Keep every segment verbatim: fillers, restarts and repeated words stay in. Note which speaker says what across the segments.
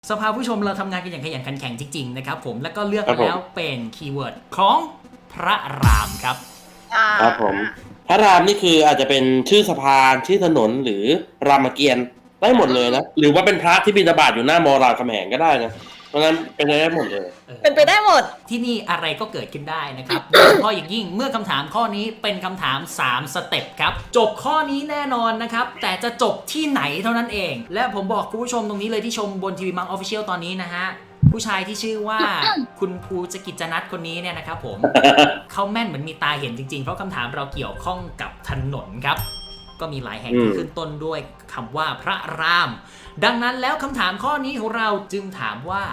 Speaker 1: สภาผู้ชมเราทำงานกันอย่างขยันขันแข็งจริงๆนะครับผมแล้วก็เลือกแล้วเป็นคีย์เวิร์ดของพระรามครับ
Speaker 2: ครับผมพระรามนี่คืออาจจะเป็นชื่อสะพานชื่อถนนหรือรามเกียรติ์ได้หมดเลยนะหรือว่าเป็นพระที่บิณฑบาตอยู่หน้ามอรามคำแหงก็ได้นะเพราะฉะนั้นเป็นไปได้หมดเลย
Speaker 3: เป็นไปได้หมด
Speaker 1: ที่นี่อะไรก็เกิดขึ้นได้นะครับโดยเฉพาะอย่างยิ่งเมื่อคำถามข้อนี้เป็นคำถามสามสเต็ปครับจบข้อนี้แน่นอนนะครับแต่จะจบที่ไหนเท่านั้นเองและผมบอกคุณผู้ชมตรงนี้เลยที่ชมบนทีวีมังออฟฟิเชียลตอนนี้นะฮะผู้ชายที่ชื่อว่าคุณภูจกิจนัทคนนี้เนี่ยนะครับผม เขาแม่นเหมือนมีตาเห็นจริงๆเพราะคำถามเราเกี่ยวข้องกับถนนครับก็มีหลายแห่งที่ขึ้นต้นด้วยคำว่าพระรามดังนั้นแล้วคำถามข้อนี้ของเราจึงถามว่า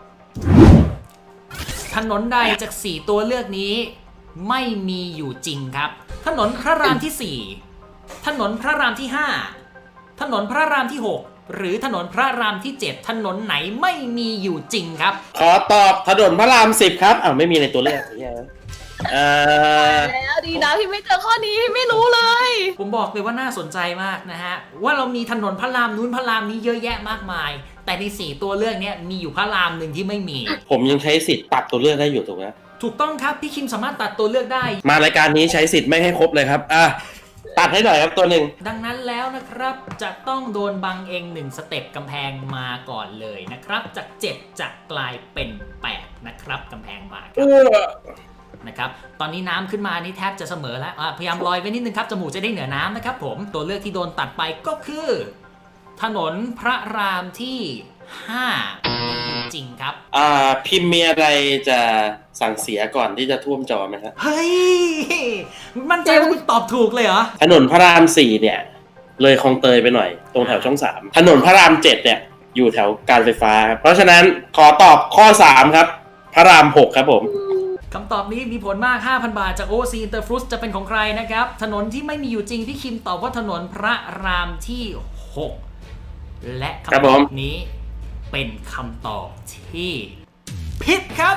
Speaker 1: ถนนใดจากสี่ตัวเลือกนี้ไม่มีอยู่จริงครับถนนพระรามที่สี่ถนนพระรามที่ห้าถนนพระรามที่หกหรือถนนพระรามที่เจ็ดถนนไหนไม่มีอยู่จริงครับ
Speaker 2: ขอตอบถนนพระรามสิบครับอ้าวไม่มีในตัวเลือกเออ
Speaker 3: แล้วดีนะพี่ไม่เจอข้อนี้พี่ไม่รู้เลย
Speaker 1: ผมบอกเลยว่าน่าสนใจมากนะฮะว่าเรามีถนนพระรามนู้นพระรามนี้เยอะแยะมากมายแต่ในสี่ตัวเลือกนี้มีอยู่พระรามหนึ่งที่ไม่มี
Speaker 2: ผมยังใช้สิทธิ์ตัดตัวเลือกได้อยู่ถูกไหม
Speaker 1: ถูกต้องครับพี่คิมสามารถตัดตัวเลือกได้
Speaker 2: มารายการนี้ใช้สิทธิ์ไม่ให้ครบเลยครับอ่ะตัดให้หน่อยครับตัวหนึ่ง
Speaker 1: ดังนั้นแล้วนะครับจะต้องโดนบังเองหนึ่งสเต็ปกำแพงมาก่อนเลยนะครับจากเจ็ดจะกลายเป็นแปดนะครับกำแพงมาครับนะครับตอนนี้น้ำขึ้นมานี่แทบจะเสมอแล้วพยายามลอยไว้นิดนึงครับจมูกจะได้เหนือน้ำนะครับผมตัวเลือกที่โดนตัดไปก็คือถนนพระรามที่ห้าจริงครับ
Speaker 2: อ่าพิมพ์มีอะไรจะสั่งเสียก่อนที่จะท่วมจอไหมครับ
Speaker 1: เฮ้ยมั่นใจว่าคุณตอบถูกเลยเหรอ
Speaker 2: ถนนพระรามสี่เนี่ยเลยคลองเตยไปหน่อยตรงแถวช่องสามถนนพระรามเจ็ดเนี่ยอยู่แถวการไฟฟ้าครับเพราะฉะนั้นขอตอบข้อสามครับพระรามหกครับผม
Speaker 1: คำตอบนี้มีผลมาก ห้าพัน บาทจาก โอ ซี Interfruits จะเป็นของใครนะครับถนนที่ไม่มีอยู่จริงพี่คิมตอบว่าถนนพระรามที่หกและคำตอบนี้เป็นคำตอบที่ผิดครับ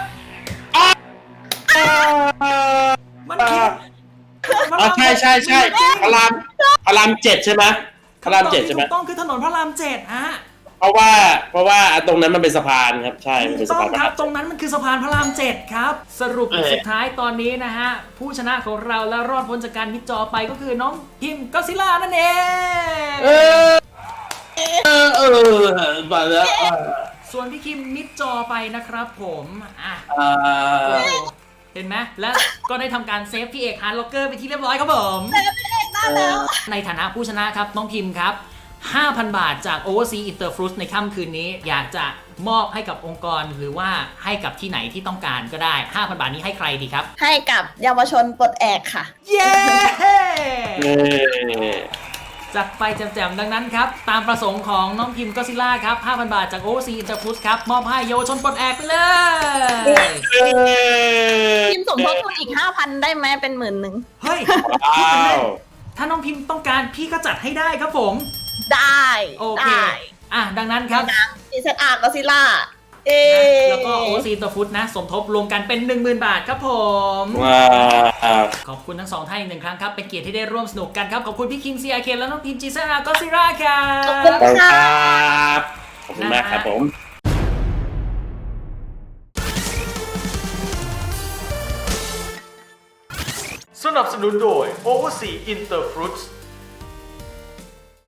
Speaker 1: มันผิด
Speaker 2: อ๋อใช่ใช่ใช่พระรามพระรามเจ็ดใช่ไหมพระรามเจ็ดใช่ไหม
Speaker 1: ถูกต้องคือถนนพระรามเจ็ดฮะ
Speaker 2: เพราะว่าเพราะว่าตรงนั้นมันเป็นสะพานครับใช่
Speaker 1: ถูกต้องครับตรงนั้นมันคือสะพานพระรามเจ็ดครับสรุปสุดท้ายตอนนี้นะฮะผู้ชนะของเราและรอดพ้นจากการมิดจอไปก็คือน้องพิมก็ซิล่านั่นเอง
Speaker 2: เออเออเออมาแล้ว
Speaker 1: ส่วนพี่คิมมิดจอไปนะครับผมอ่ะเห็นไหมและก็ได้ทำการเซฟพี่เอกฮาร์ดล็อกเกอร์ไปที่เรียบร้อยครับผม
Speaker 3: เซฟพี่เอกได้แล้ว
Speaker 1: ในฐานะผู้ชนะครับน้องพิมครับ ห้าพัน บาทจาก Overseas Interfruits ในค่ำคืนนี้อยากจะมอบให้กับองค์กรหรือว่าให้กับที่ไหนที่ต้องการก็ได้ ห้าพัน บาทนี้ให้ใครดีครับ
Speaker 3: ให้กับเยาวชนปลดแอกค่ะ
Speaker 1: เย้จัดไปแจ่มๆดังนั้นครับตามประสงค์ของน้องพิมก็ซิล่าครับ ห้าพัน บาทจาก Overseas Interfruits ครับมอบให้เยาวชนปลดแอกไปเลย
Speaker 3: พิมสมทบทุนอีก ห้าพัน ได้ไหมเป็นหมื่นหนึ่ง
Speaker 1: เฮ้ยถ้าน้องพิมต้องการพี่ก็จัดให้ได้ครับผม
Speaker 3: ได้
Speaker 1: โอเคอ่ะดังนั้นครับ
Speaker 3: ดีเซตอาร์ก็ซิล่าเอ
Speaker 1: แล้วก็โอซีตัวฟุตนะสมทบรวมกันเป็น หนึ่งหมื่น บาทครับผม
Speaker 2: ว้าว
Speaker 1: ขอบคุณทั้งสองท่านอีกหนึ่งครั้งครับเป็นเกียรติที่ได้ร่วมสนุกกันครับขอบคุณพี่คิม ซี อาร์ เค และน้องพิม จี เซต อาร์ ก็ซิล่าครับ
Speaker 3: ขอบคุณค่ะ
Speaker 2: ขอบคุณมากครับผม
Speaker 1: สนับสนุนโดย Overseas Interfruits